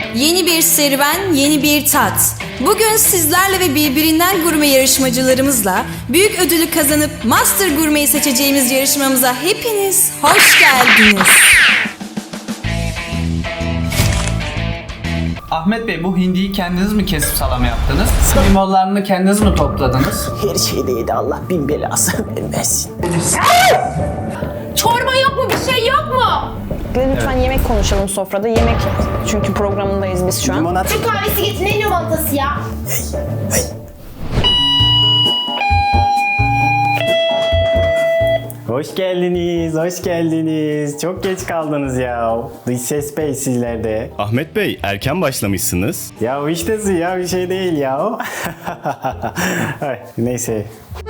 Yeni bir serüven, yeni bir tat. Bugün sizlerle ve birbirinden gurme yarışmacılarımızla büyük ödülü kazanıp Master Gurme'yi seçeceğimiz yarışmamıza hepiniz hoş geldiniz. Ahmet Bey, bu hindiyi kendiniz mi kesip salam yaptınız? Limonlarını kendiniz mi topladınız? Her şeyde yedi, Allah bin belası vermesin. Çorba yok mu? Bir şey yok mu? Lütfen yemek konuşalım sofrada. Yemek çünkü programındayız biz şu an. Limonat. Türk kahvesi getir. Ne limonatası ya? Hoş geldiniz, hoş geldiniz. Çok geç kaldınız ya. Dış ses bey sizlerde. Ahmet Bey, erken başlamışsınız. Ya işte ya bir şey değil ya. Ay, neyse.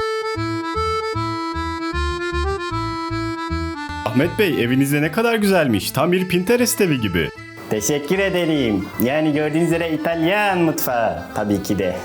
Ahmet Bey, evinizde ne kadar güzelmiş. Tam bir Pinterest evi gibi. Teşekkür ederim. Yani gördüğünüz üzere İtalyan mutfağı tabii ki de.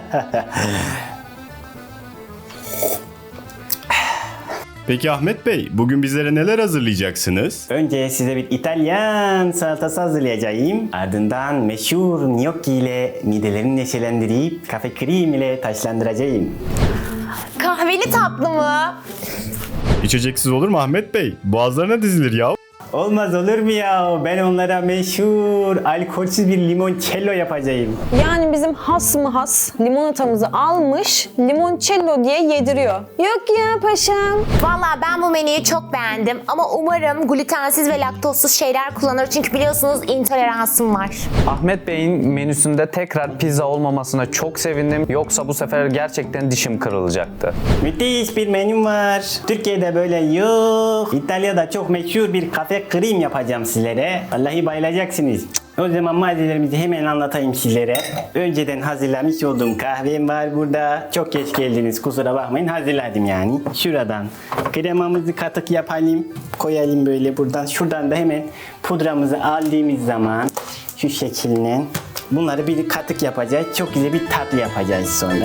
Peki Ahmet Bey, bugün bizlere neler hazırlayacaksınız? Önce size bir İtalyan salatası hazırlayacağım. Ardından meşhur gnocchi ile midelerini neşelendirip kafe krem ile taşlandıracağım. Kahveli tatlı mı? İçeceksiz olur mu Ahmet Bey? Boğazlarına dizilir ya. Olmaz olur mu ya? Ben onlara meşhur alkolsüz bir limoncello yapacağım. Yani bizim has mı has limonatamızı almış limoncello diye yediriyor. Yok ya paşam. Valla ben bu menüyü çok beğendim ama umarım glutensiz ve laktozsuz şeyler kullanır çünkü biliyorsunuz intoleransım var. Ahmet Bey'in menüsünde tekrar pizza olmamasına çok sevindim. Yoksa bu sefer gerçekten dişim kırılacaktı. Müthiş bir menüm var. Türkiye'de böyle yok. İtalya'da çok meşhur bir kafe krem yapacağım sizlere. Vallahi bayılacaksınız. O zaman malzemelerimizi hemen anlatayım sizlere. Önceden hazırlamış olduğum kahvem var burada. Çok geç geldiniz, kusura bakmayın, hazırladım yani. Şuradan kremamızı katık yapalım. Koyalım böyle buradan. Şuradan da hemen pudramızı aldığımız zaman şu şekilde bunları bir katık yapacağız. Çok güzel bir tatlı yapacağız sonra.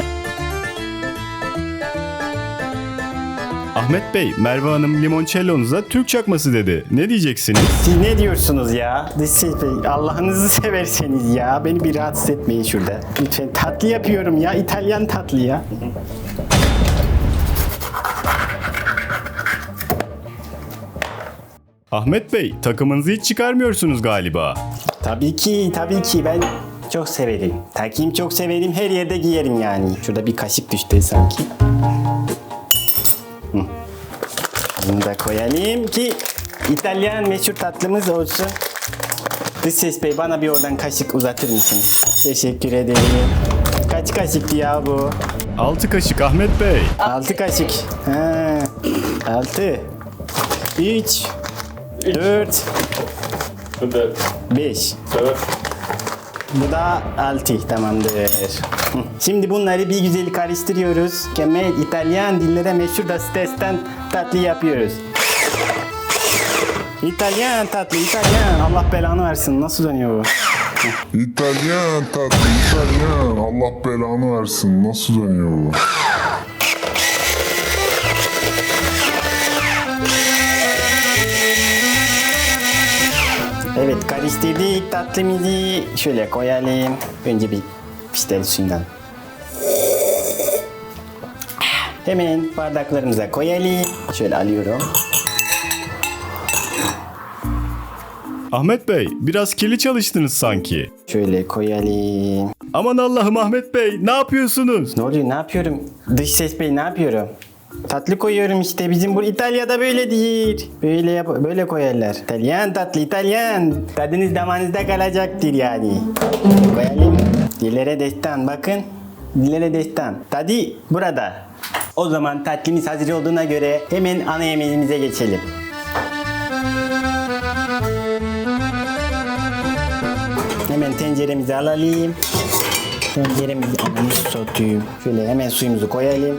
Ahmet Bey, Merve Hanım limoncello'nuza Türk çakması dedi. Ne diyeceksiniz? Siz ne diyorsunuz ya? Dış Bey, Allah'ınızı severseniz ya. Beni bir rahatsız etmeyin şurada. Lütfen, tatlı yapıyorum ya. İtalyan tatlı ya. Ahmet Bey, takımınızı hiç çıkarmıyorsunuz galiba. Tabii ki, tabii ki. Ben çok severim. Takayım çok severim. Her yerde giyerim yani. Şurada bir kaşık düştü sanki. Hı. Bunu da koyalım ki İtalyan meşhur tatlımız olsun. Dış Ses Bey, bana bir oradan kaşık uzatır mısınız? Teşekkür ederim. Kaç kaşıktı ya bu? 6 kaşık Ahmet Bey. 6 kaşık. Ha. 6 3 4 5. Bu da 6, tamamdır. Hı. Şimdi bunları bir güzel karıştırıyoruz. Mükemmel İtalyan dillere meşhur da stresten tatlı yapıyoruz. İtalyan tatlı, İtalyan. Allah belanı versin. Nasıl dönüyor bu? İtalyan tatlı, İtalyan. Allah belanı versin. Nasıl dönüyor bu? Evet, karıştırdık tatlımızı. Şöyle koyalım. Önce bir piştel suyundan. Hemen bardaklarımıza koyalım. Şöyle alıyorum. Ahmet Bey, biraz kirli çalıştınız sanki. Şöyle koyalım. Aman Allah'ım Ahmet Bey, ne yapıyorsunuz? Ne oluyor? Ne yapıyorum? Dış Ses Bey, ne yapıyorum? Tatlı koyuyorum işte. Bizim bu İtalya'da böyle değil. Böyle koyarlar. İtalyan tatlı, İtalyan. Tadınız damağınızda kalacaktır yani. Koyalım. Dillere destan. Bakın. Dillere destan. Tadı burada. O zaman tatlımız hazır olduğuna göre hemen ana yemeğimize geçelim. Hemen tenceremizi alalım. Tenceremizi satayım. Şöyle hemen suyumuzu koyalım.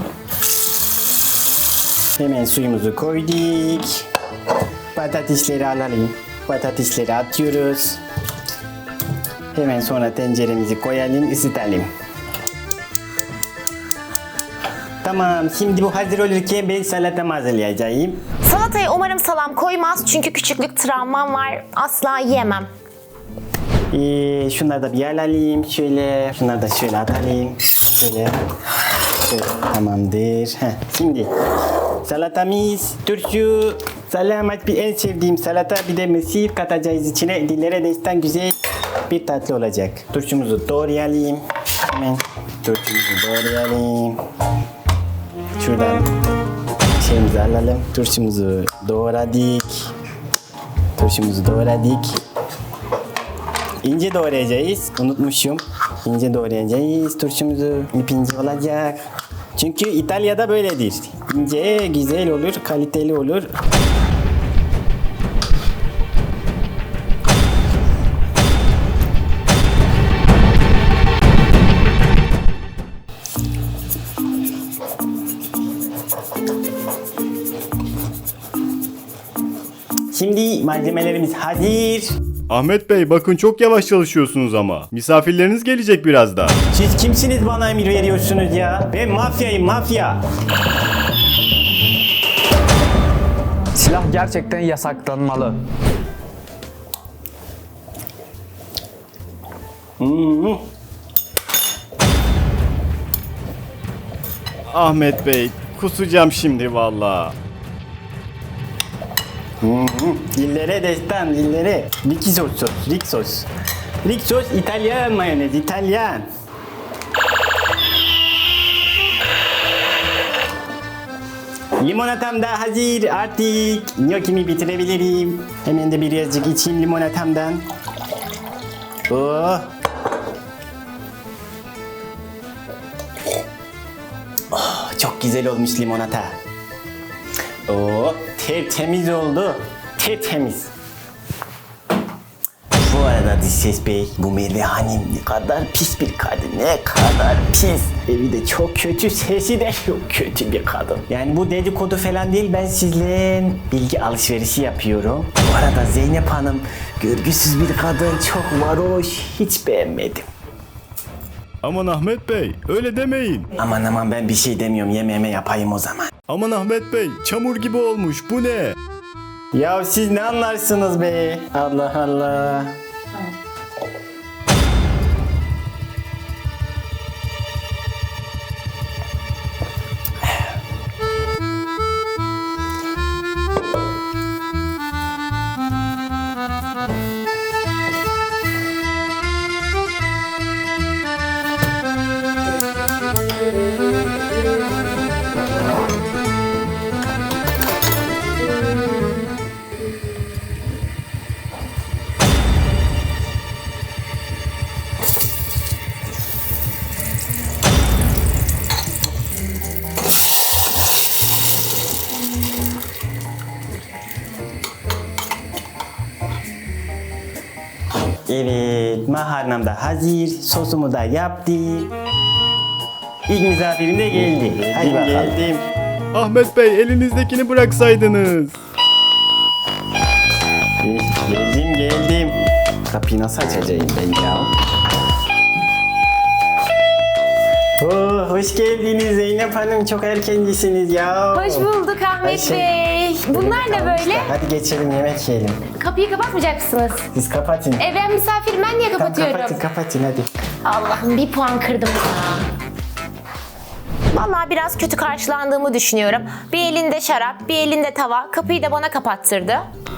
Hemen suyumuzu koyduk. Patatesleri alalım. Patatesleri atıyoruz. Hemen sonra tenceremizi koyalım, ısıtalım. Tamam, şimdi bu hazır olurken ben salatamı hazırlayacağım. Salataya umarım salam koymaz çünkü küçüklük travmam var. Asla yiyemem. Şunları da bir alayım şöyle. Şunları da şöyle atalım. Şöyle. Şöyle. Tamamdır. Şimdi salatamız, turşu, salamat bir en sevdiğim salata, bir de mısır katacağız içine. Dillere destan güzel bir tatlı olacak. Turşumuzu doğrayalım. Hemen turşumuzu doğrayalım. Şuradan şeyimizi alalım. Turşumuzu doğradık. Turşumuzu doğradık. İnce doğrayacağız. Unutmuşum. İnce doğrayacağız. Turşumuzu ince olacak. Çünkü İtalya'da böyledir. İnce, güzel olur, kaliteli olur. Şimdi malzemelerimiz hazır. Ahmet Bey bakın çok yavaş çalışıyorsunuz ama. Misafirleriniz gelecek birazdan. Siz kimsiniz bana emir veriyorsunuz ya? Ben mafyayım, mafya. Silah gerçekten yasaklanmalı. Ahmet Bey kusacağım şimdi valla. Dillere destan, dillere. Rixos, Rixos. Rixos İtalyan mayonez, İtalyan. Limonatam da hazır artık. Gnocchimi bitirebilirim. Hemen de birazcık içeyim limonatamdan. Oh. Oh, çok güzel olmuş limonata. Oh, tertemiz oldu. Tertemiz. Bu arada Dişses Bey, bu Merve Hanım ne kadar pis bir kadın, ne kadar pis. Evi de çok kötü, sesi de çok kötü bir kadın. Yani bu dedikodu falan değil, ben sizle bilgi alışverişi yapıyorum. Bu arada Zeynep Hanım, görgüsüz bir kadın, çok varoş, hiç beğenmedim. Aman Ahmet Bey öyle demeyin. Aman ben bir şey demiyorum, yemeğime yapayım o zaman. Aman Ahmet Bey çamur gibi olmuş bu ne? Ya siz ne anlarsınız be? Allah Allah. Evet, makarnam da hazır, sosumu da yaptım. İlk misafirim de geldi. Hadi bakalım. Geldim. Ahmet Bey elinizdekini bıraksaydınız. Geldim. Kapıyı nasıl açacağım ben ya? Oh, hoş geldiniz Zeynep Hanım, çok erkencisiniz ya. Hoş bulduk Ahmet Ayşe. Bey. Bunlar ne böyle? Hadi geçelim, yemek yiyelim. Kapıyı kapatmayacaksınız. Siz kapatın. Ben misafirim, ben niye kapatıyorum? Kapatın hadi. Allah'ım bir puan kırdım ya. Vallahi biraz kötü karşılandığımı düşünüyorum. Bir elinde şarap, bir elinde tava. Kapıyı da bana kapattırdı.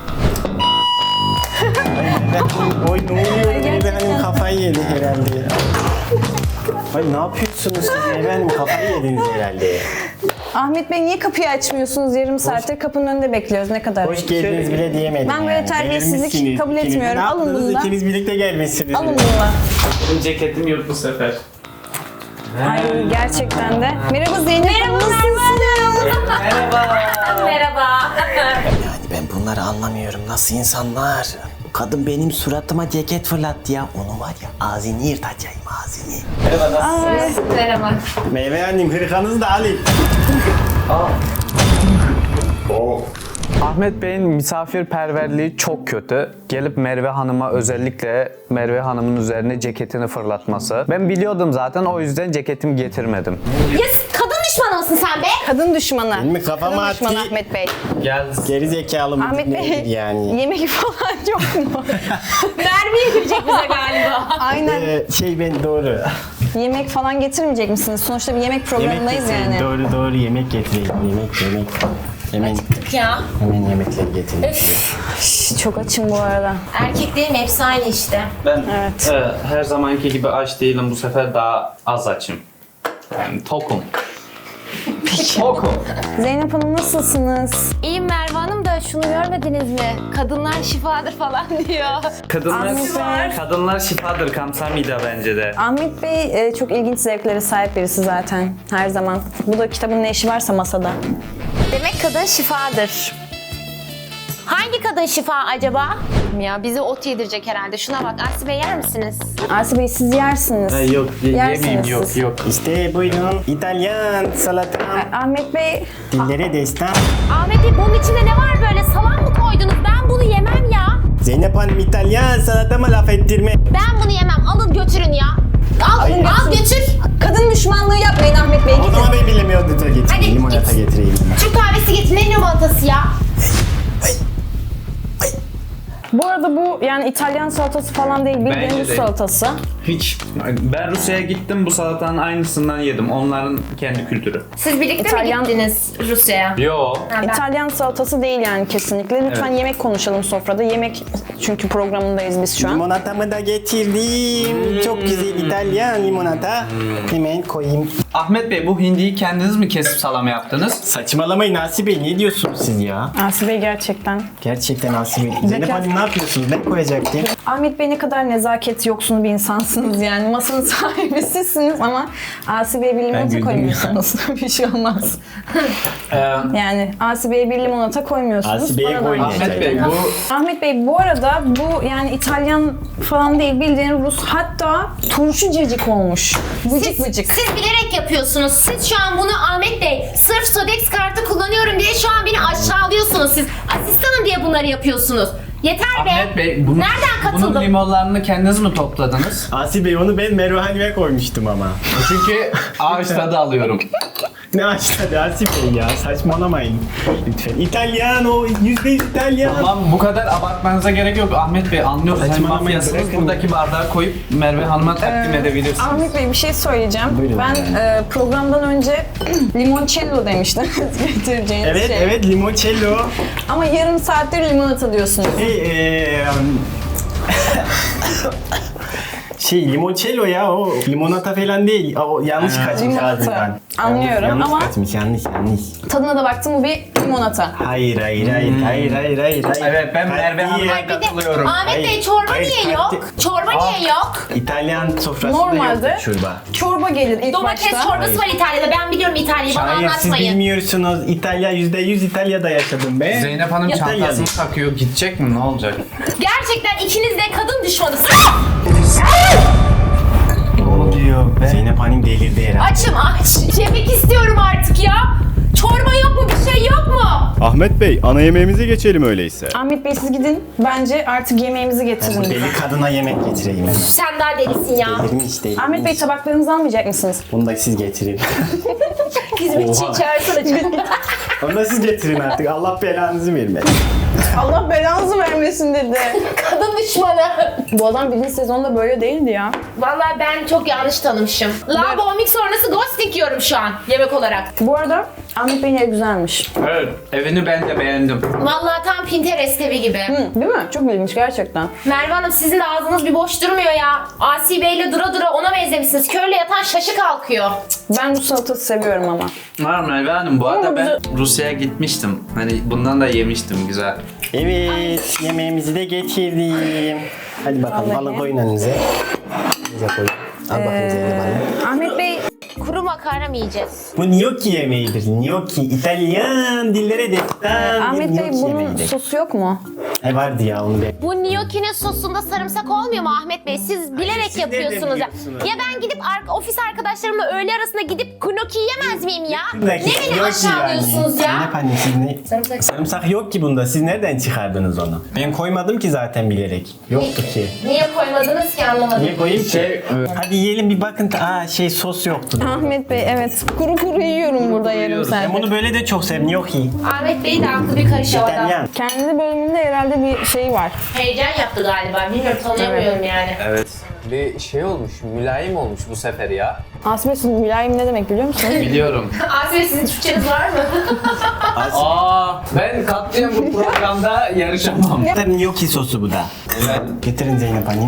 Oy ne oluyor? Benim kafayı yedi herhalde ya. Ay ne yapıyorsunuz siz? Efendim kafayı yediniz herhalde. Ahmet Bey niye kapıyı açmıyorsunuz? Yarım saattir kapının önünde bekliyoruz. Ne kadar? Hoş geldiniz bile diyemedim. Ben böyle yani. terbiyesizlik Gelmişsiniz. kabul İkiniz- etmiyorum. Ne Alın yaptınız? bunu da. İkiniz birlikte gelmişsiniz. Alın bunu da. Benim ceketim yok bu sefer. Ay gerçekten de. Merhaba Zeynep. Merhaba Merhaba. Yani ben bunları anlamıyorum. Nasıl insanlar? Bu kadın benim suratıma ceket fırlattı ya. Onu var ya ağzını yırtacağım ağzını. Merhaba. Meyve annem hırkanızı da alayım. Ahmet Bey'in misafirperverliği çok kötü. Gelip Merve Hanım'a özellikle Merve Hanım'ın üzerine ceketini fırlatması. Ben biliyordum zaten, o yüzden ceketimi getirmedim. Ya kadın düşmanı mısın sen be? Kadın düşmanı. Benim mi kafama Kadın düşmanı attı? Ahmet Bey. Gel. Geri zekalı mı? Ahmet Bey Nedir yani? yemek falan yok mu? Mermi yedirecek bize galiba. Aynen. Ben doğru. Yemek falan getirmeyecek misiniz? Sonuçta bir yemek programındayız getireyim. yani. Doğru yemek getireyim. Yemek. Ya. Hemen yemekleri getireyim. Şş, çok açım bu arada. Erkeklerin hepsi aynı işte. Ben Evet. her zamanki gibi aç değilim. Bu sefer daha az açım. Yani tokum. Tokum. Zeynep Hanım nasılsınız? İyiyim Merve Hanım da şunu görmediniz mi? Kadınlar şifadır falan diyor. Kadınlar şifadır Kamsamida bence de. Ahmet Bey çok ilginç zevklere sahip birisi zaten her zaman. Bu da kitabın ne işi varsa masada. Demek kadın şifadır. Hangi kadın şifa acaba? Ya bizi ot yedirecek herhalde. Şuna bak. Asi Bey yer misiniz? Asi Bey siz yersiniz. Yok Yersiniz yemeyeyim siz. yok. İşte buyurun. İtalyan salata. Ahmet Bey Dillere destan. Ahmet Bey bunun içinde ne var böyle? Salam mı koydunuz? Ben bunu yemem ya. Zeynep Hanım İtalyan salatama laf ettirme. Ben bunu yemem. Alın götürün ya. Al götür. kadın düşmanlığı yapmayın Ahmet Bey. O zaman ben bilemiyorum. Lütfen Hadi getireyim. Limonata git. getireyim. Türk kahvesi getir. Ne limonatası ya? Bu arada bu yani İtalyan salatası falan değil, bildiğin Bence Rus de. salatası. Hiç. Ben Rusya'ya gittim bu salatanın aynısından yedim. Onların kendi kültürü. Siz birlikte İtalyan- mi gittiniz Rusya'ya? Yo. İtalyan salatası değil yani kesinlikle. Lütfen Evet. yemek konuşalım sofrada. Yemek çünkü programındayız biz şu an. Limonatamı da getirdim. Çok güzel İtalyan limonata. Hemen koyayım. Ahmet Bey bu hindiyi kendiniz mi kesip salam yaptınız? Saçmalamayın Asi Bey. Ne diyorsunuz siz ya? Asi Bey gerçekten. Gerçekten Asi Bey. Zeynep Hanım ne yapıyorsunuz? Ne koyacaktım? Ahmet Bey ne kadar nezaket yoksunu bir insansınız yani. Masanın sahibi sizsiniz ama Asi Bey'e bir limonata güldüm koymuyorsunuz. Bir şey olmaz. Yani Asi Bey'e bir limonata koymuyorsunuz. Asi Bey'e Bana da- koymayacak. Ahmet Bey bu Ahmet Bey bu arada bu yani İtalyan falan değil bildiğin Rus, hatta turşu cacık olmuş. Vıcık vıcık. Siz bilerek yapıyorsunuz. Siz şu an bunu Ahmet Bey sırf Sodex kartı kullanıyorum diye şu an beni aşağılıyorsunuz. Siz asistanım diye bunları yapıyorsunuz. Yeter be. Ahmet Bey bunun, Nereden katıldım? bunun limonlarını kendiniz mi topladınız? Asi Bey onu ben Merve Hanım'a koymuştum ama. Çünkü ağaç tadı alıyorum. Ne açtı Asi Bey ya? Saçmalamayın. Lütfen. İtalyan o. %100 İtalyan. Tamam bu kadar abartmanıza gerek yok Ahmet Bey, anlıyoruz. Hem Saçmalamayın, mafyasınız, bırakın. buradaki bardağı koyup Merve Hanım'a takdim edebilirsiniz. Ahmet Bey bir şey söyleyeceğim. Buyurun. Ben programdan önce limoncello demiştiniz getireceğiniz Evet şey. evet limoncello. Ama yarım saattir limonata diyorsunuz. Limoncello ya o limonata falan değil. O yanlış kaçmış limonata. ağzından. Anlıyorum yanlış ama- kaçmış yanlış. Tadına da baktım, bu bir limonata. Hayır. Evet ben Merve Hanım'a Ay bir de katılıyorum. Ahmet Bey Hayır, çorba hayır, niye yok? kalite- Çorba niye yok? İtalyan sofrasında Normalde yok çorba. çorba gelir ilk Domates başta. çorbası var İtalya'da. Ben biliyorum İtalya'yı. Bana Hayır siz anlatmayın. bilmiyorsunuz. İtalya %100 İtalya'da yaşadım be. Zeynep Hanım İtalyan. çantasını takıyor. Gidecek mi? Ne olacak? Gerçekten ikiniz de kadın düşmanısınız. Ne oluyor be? Zeynep Hanım delirdi herhalde. Açım aç. Yemek istiyorum artık ya. Çorba yok mu? Bir şey yok mu? Ahmet Bey, ana yemeğimize geçelim öyleyse. Ahmet Bey siz gidin. Bence artık yemeğimizi getirin. Bu bize. deli kadına yemek getireyim. Sen daha delisin ya. Delirmiş delirmiş. Ahmet Bey tabaklarınızı almayacak mısınız? Bunu da siz getirin. Hizmetçi çağırsana. Onu da siz getirin artık. Allah belanızı vermesin. Allah belanızı vermesin dedi. Kadın düşmanı. Bu adam birinci sezonda böyle değildi ya. Vallahi ben çok yanlış tanımışım. Labomik sonrası ghosting yiyorum şu an yemek olarak. Bu arada Ahmet Bey'in evi güzelmiş. Evet. Evini ben de beğendim. Vallahi tam Pinterest evi gibi. Değil mi? Çok ilginç gerçekten. Merve Hanım sizin de ağzınız bir boş durmuyor ya. Asi Bey'le dura dura ona benzemişsiniz. Körle yatan şaşı kalkıyor. Ben bu salatası seviyorum ama. Var Merve Hanım bu arada Ama ben Rusya'ya gitmiştim. Hani bundan da yemiştim güzel. Evet, yemeğimizi de getirdim. Hadi bakalım, Vallahi. alın koyun önünüze. Bize koyun. Al bakayım Zeynep Hanım. Ahmet Bey Kuru makarna mı yiyeceğiz? Bu gnocchi yemeğidir. Gnocchi. İtalyan dillere destan. Ahmet Bey gnocchi bunun yemeğidir. sosu yok mu? Vardı ya onu ben. Bu gnocchi'nin sosunda sarımsak olmuyor mu Ahmet Bey? Siz bilerek siz nereden yapıyorsunuz ya. biliyorsunuz? Ya ben gidip ofis arkadaşlarımla öğle arasında gidip gnocchi yemez miyim ya? Buradaki Ne beni gnocchi aşağılıyorsunuz ya? Zeynep anne siz ne? Sarımsak. Sarımsak yok ki bunda. Siz nereden çıkardınız onu? Ben koymadım ki zaten bilerek. Yoktu ki. Niye koymadınız ki anlamadım. Niye koyayım ki? Şey, Hadi yiyelim bir bakın. Sos yoktu. Ahmet Bey evet. Kuru kuru yiyorum burada yarım Ben saat. bunu böyle de çok sevdim. Yok iyi. Ahmet Bey de aklı bir karış orada. İtalyan. Kendi bölümünde herhalde bir şey var. Heyecan yaptı galiba. Bilmiyorum, tanıyamıyorum yani. Evet. Bir şey olmuş, mülayim olmuş bu sefer ya. Aslı Bey mülayim ne demek biliyor musunuz? Biliyorum. Aslı Bey, sizin Türkçeniz var mı? Ben katliam bu programda yarışamam. Gnocchi sosu bu da. Getirin Zeynep Hanım.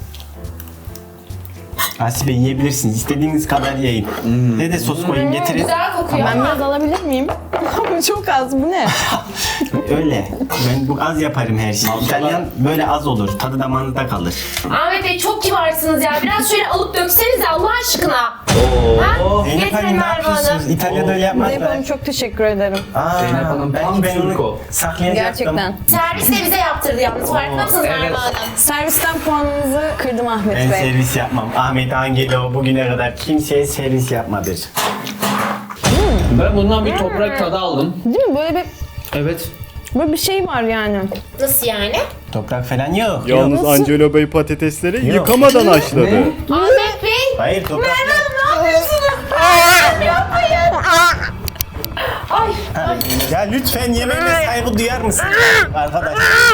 Asibe yiyebilirsiniz. İstediğiniz kadar yiyin. Ne de sos koyun getirin. Güzel kokuyor Ben ama. biraz alabilir miyim? Ama çok az bu ne? Öyle. Ben bu az yaparım her şeyi. İtalyan böyle az olur. Tadı damağınızda kalır. Ahmet Bey çok kibarsınız ya. Biraz şöyle alıp döksenize Allah aşkına. Zeynep Getirin Hanım ne Merve yapıyorsunuz? Hanım. İtalya'da öyle Zeynep yapmazlar. Hanım çok teşekkür ederim. Zeynep Hanım belki tam ben Türk onu o. saklayacaktım. Gerçekten. Servis de bize yaptırdı yalnız. Farkında mısınız Merve Hanım? Servisten puanınızı kırdım Ahmet Ben Bey. servis yapmam. Ahmet Angelo bugüne kadar kimseye servis yapmadı. Ben bundan bir toprak tadı aldım. Değil mi? Evet. Böyle bir şey var yani. Nasıl yani? Toprak falan yok. Yalnız Nasıl? Angelo Bey patatesleri yıkamadan haşladı. Ahmet Bey. Hayır toprak yok. Ne yapıyorsunuz? Yapmayın. Ay. Ya lütfen yemeğime saygı duyar mısın? Arkadaş.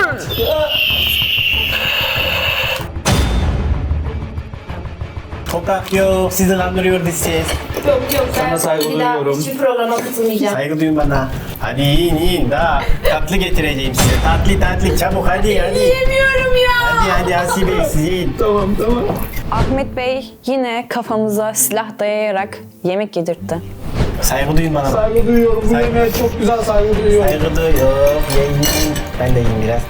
Toprak yok. Sizi kandırıyordu ses. Yok ben Sana saygı bir daha duyuyorum. hiçbir programa katılmayacağım. Saygı duyun bana. Hadi yiyin daha. Tatlı getireceğim size. Tatlı çabuk hadi. Yemiyorum ya. Hadi Asibe siz yiyin. Ahmet Bey yine kafamıza silah dayayarak yemek yedirtti. Saygı duyun bana. Saygı duyuyorum. Bu yemeğe çok güzel saygı duyuyorum. Saygı duyuyorum. Yiyin. Ben de yiyeyim biraz.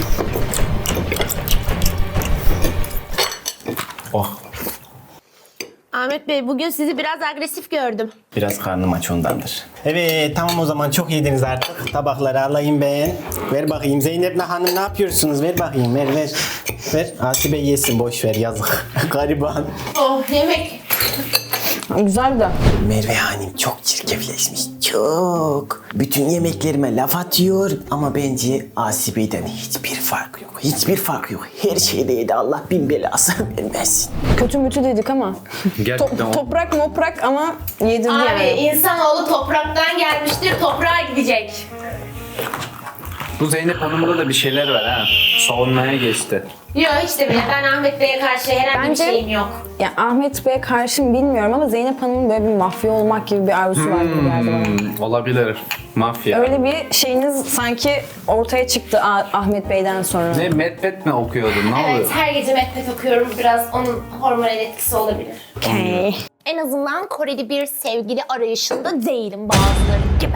Oh. Ahmet Bey, bugün sizi biraz agresif gördüm. Biraz karnım aç ondandır. Evet tamam o zaman çok yediniz artık. Tabakları alayım ben. Ver bakayım Zeynep'le hanım ne yapıyorsunuz? Ver bakayım ver. Ver. Asibe yesin boş ver yazık. Gariban. Oh, yemek. Güzel de. Merve Hanım çok çirkefleşmiş. Çok. Bütün yemeklerime laf atıyor ama bence Asibe'den hiçbir fark yok. Hiçbir fark yok. Her şeyde yedi Allah bin belası vermesin. Kötü mütü dedik ama. Gerçekten o. Toprak moprak ama yedirdi Abi yani. insanoğlu topraktan gelmiştir, toprağa gidecek. Bu Zeynep Hanım'da da bir şeyler var ha. Savunmaya geçti. Yok hiç de bile. Ben Ahmet Bey'e karşı herhangi Bence- bir şeyim yok. Ya Ahmet Bey'e karşı mı bilmiyorum ama Zeynep Hanım'ın böyle bir mafya olmak gibi bir arzusu var gibi geldi bana. Olabilir. Mafya. Öyle bir şeyiniz sanki ortaya çıktı Ahmet Bey'den sonra. Ne medbet mi okuyordun? Ne Evet, oluyor? her gece Mehmet okuyorum. Biraz onun hormonal etkisi olabilir. Okay. En azından Koreli bir sevgili arayışında değilim bazıları gibi.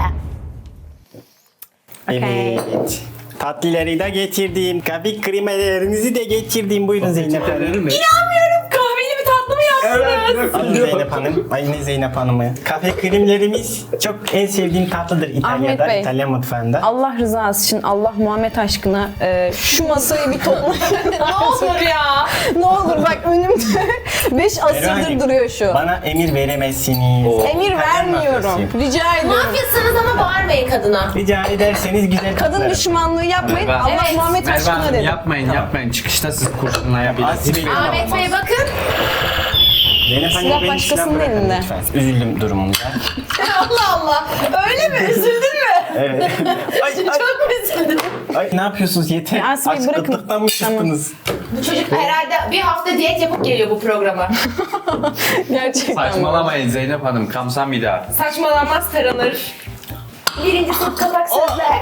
Evet. Tatlıları da getirdim. Kahve kremelerinizi de getirdim. Buyurun Zeynep Hanım. Kahveli bir tatlı mı yaptınız? Alın Zeynep Hanım. Ay ne Zeynep Hanım'ı. Kahve kremlerimiz çok en sevdiğim tatlıdır İtalya'da. Ahmet Bey. İtalyan mutfağında. Allah rızası için, Allah Muhammed aşkına şu masayı bir toplayın. Ne olur ya. Ne olur bak önümde 5 asırdır Hanım, duruyor şu. Bana emir veremezsiniz. Emir İtalyan vermiyorum. mafyası. Rica ediyorum. Mafyasınız ama bağırmayın kadına. Rica ederseniz güzel Kadın kızlarım. düşmanlığı yapmayın. Merve- Allah Evet. Muhammed Merve aşkına Hanım dedim. yapmayın. Çıkışta siz kurşunlayabilirsiniz. Asibe- Ahmet Bey bakın. Zeynep Hanım Silah beni başkasının silah bırakın elinde. lütfen. Üzüldüm durumumuza. Allah Allah. Öyle mi? Üzüldün mü? Evet. Çok üzüldüm. Ay ne yapıyorsunuz yeter. Ya Asibe'yi bırakın. Açlıktan mı Tamam. çıktınız? Bu çocuk herhalde bir hafta diyet yapıp geliyor bu programa. Gerçekten. Saçmalamayın Zeynep Hanım. Kamsam bir daha. Saçmalanmaz taranır. Birinci top kapak sözler.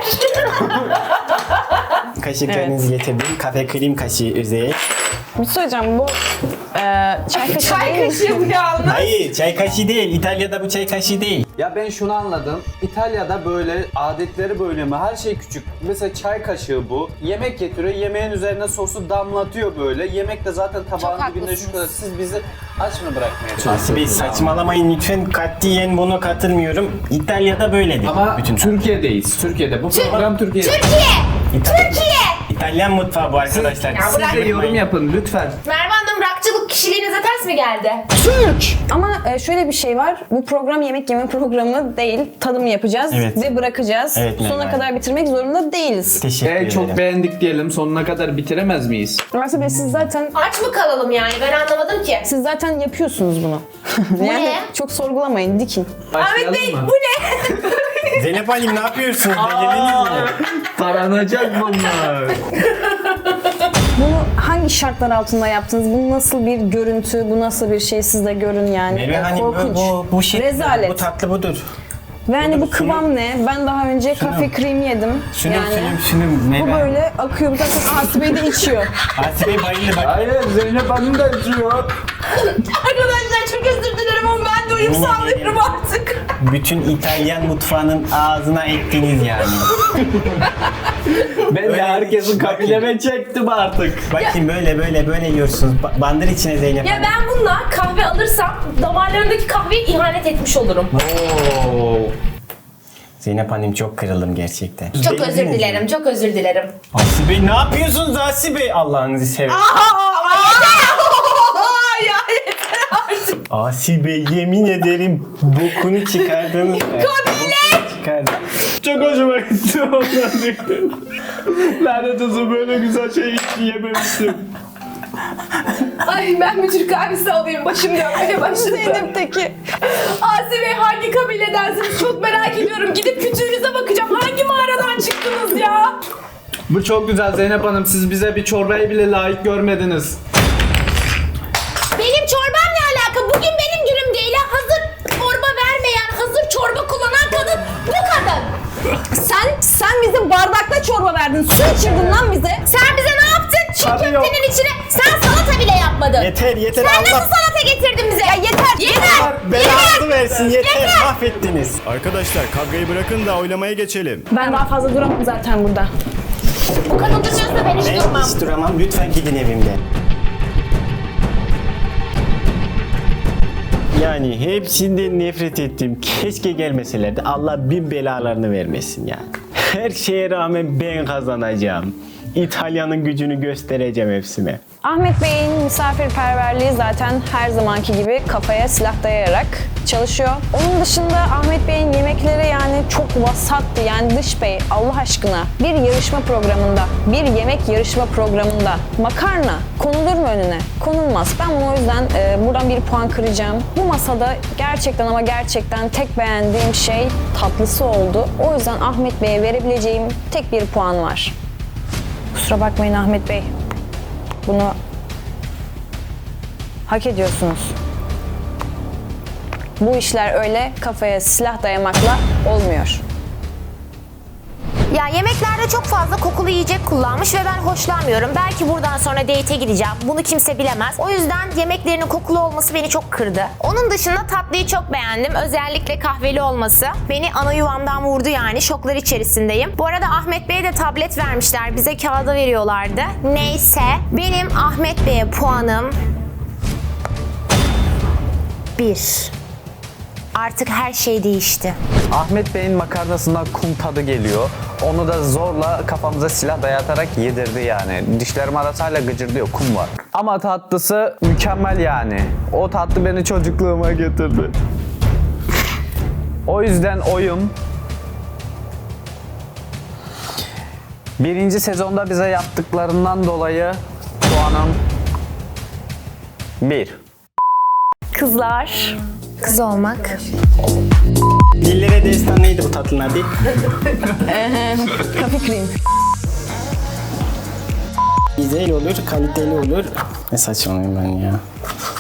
Kaşıklarınızı getirdim. Kafe krem kaşığı özel. Bir şey söyleyeceğim bu çay kaşığı Çay değil mi? kaşığı bu yalnız. Hayır çay kaşığı değil. İtalya'da bu çay kaşığı değil. Ya ben şunu anladım. İtalya'da böyle adetleri böyle mi? Her şey küçük. Mesela çay kaşığı bu. Yemek getiriyor. Yemeğin üzerine sosu damlatıyor böyle. Yemek de zaten tabağın dibinde şu haklısınız. kadar. Siz bizi aç mı bırakmaya Asibe çalışıyorsunuz? saçmalamayın lütfen. Katiyen buna katılmıyorum. İtalya'da böyledir. Ama bütün Türkiye'deyiz. Türkiye'de. Bu program Türkiye'de. Türkiye! İtalyan mutfağı bu arkadaşlar. Ya Siz de bırak. yorum yapın lütfen. Merve Hanım rakçılık Kişiliğinize ters mi geldi? Ama şöyle bir şey var. Bu program yemek yeme programı değil. Tadım yapacağız Evet. ve bırakacağız. Evet, Sonuna Merve. kadar bitirmek zorunda değiliz. Teşekkür ederim. Çok beğendik diyelim. Sonuna kadar bitiremez miyiz? Aslında Bey, siz zaten Aç mı kalalım yani? Ben anlamadım ki. yapıyorsunuz bunu. Yani ne? çok sorgulamayın, dikin. Başlayalım mı? Zeynep Hanım ne yapıyorsunuz? Beğendiniz mi? Taranacak bunlar. Bunu hangi şartlar altında yaptınız? Bu nasıl bir görüntü? Bu nasıl bir şey? Siz de görün yani. Merve Hanım Korkunç. bu şey, Rezalet. bu tatlı budur. Ve hani bu Budur, kıvam ne? Ben daha önce kafe krem yedim. Şunun Merve. Bu böyle akıyor. Bu zaten Asibe de içiyor. Asibe bayıldı bak. Hayır Zeynep Hanım da içiyor. Arkadaşlar çok özür dilerim ama ben de uyum sağlıyorum artık. Bütün İtalyan mutfağının ağzına ettiniz yani. Ben de Öyle herkesin bakın. kabileme çektim artık. Bakın böyle yiyorsunuz. Bandır içine Zeynep Ya Hanım. ben bununla kahve alırsam damarlarındaki kahveye ihanet etmiş olurum. Oo. Zeynep Hanım çok kırıldım gerçekten. Çok özür dilerim, çok özür dilerim. Asibe ne yapıyorsunuz Asibe? Allah'ınızı seversen. Asibe yemin ederim bokunu çıkardınız. Kabile! Çok hoşuma gitti ondan. Lanet olsun, böyle güzel şey hiç yememiştim. Ay ben bir Türk kahvesi alayım, başım dönmeye başladı. Zeynep'teki. Asi Bey hangi kabiledensiniz? Çok merak ediyorum. Gidip kütüğünüze bakacağım. Hangi mağaradan çıktınız ya? Bu çok güzel Zeynep Hanım. Siz bize bir çorbayı bile layık görmediniz. Benim çorbam ne alaka? Bugün benim günüm değil. Hazır çorba vermeyen, hazır çorba kullanan kadın bu kadın. Sen bize bardakta çorba verdin. Su içirdin lan bize. Sen bize ne yaptın? Çiğ Tabii yok. köftenin içine sen salata bile yapmadın. Yeter Sen Allah nasıl salata getirdin bize? Ya yeter. belanızı versin yeter mahvettiniz. Arkadaşlar kavgayı bırakın da oylamaya geçelim. Ben daha fazla duramam zaten burada. Bu kadın dışarıda ben hiç Ben durmam. hiç duramam lütfen gidin evimden. Yani hepsinden nefret ettim. Keşke gelmeselerdi. Allah bin belalarını vermesin yani. Her şeye rağmen ben kazanacağım. İtalya'nın gücünü göstereceğim hepsine. Ahmet Bey'in misafirperverliği zaten her zamanki gibi kafaya silah dayayarak çalışıyor. Onun dışında Ahmet Bey'in yemekleri yani çok vasattı. Yani Dış Bey Allah aşkına bir yarışma programında, bir yemek yarışma programında makarna konulur mu önüne? Konulmaz. Ben bunu o yüzden buradan bir puan kıracağım. Bu masada gerçekten ama gerçekten tek beğendiğim şey tatlısı oldu. O yüzden Ahmet Bey'e verebileceğim tek bir puan var. Kusura bakmayın Ahmet Bey. Bunu hak ediyorsunuz. Bu işler öyle kafaya silah dayamakla olmuyor. Ya yemeklerde çok fazla kokulu yiyecek kullanmış ve ben hoşlanmıyorum. Belki buradan sonra date'e gideceğim. Bunu kimse bilemez. O yüzden yemeklerinin kokulu olması beni çok kırdı. Onun dışında tatlıyı çok beğendim. Özellikle kahveli olması. Beni ana yuvamdan vurdu yani. Şoklar içerisindeyim. Bu arada Ahmet Bey'e de tablet vermişler. Bize kağıda veriyorlardı. Neyse. Benim Ahmet Bey'e puanım 1. Artık her şey değişti. Ahmet Bey'in makarnasından kum tadı geliyor. Onu da zorla kafamıza silah dayatarak yedirdi yani. Dişlerim arası hala gıcırdıyor, kum var. Ama tatlısı mükemmel yani. O tatlı beni çocukluğuma götürdü. O yüzden oyum birinci sezonda bize yaptıklarından dolayı puanım 1. Kızlar. Kız olmak. Dillere destan neydi bu tatlının adı? Kafe krem. Güzel olur, kaliteli olur. Ne saçmalıyım ben ya.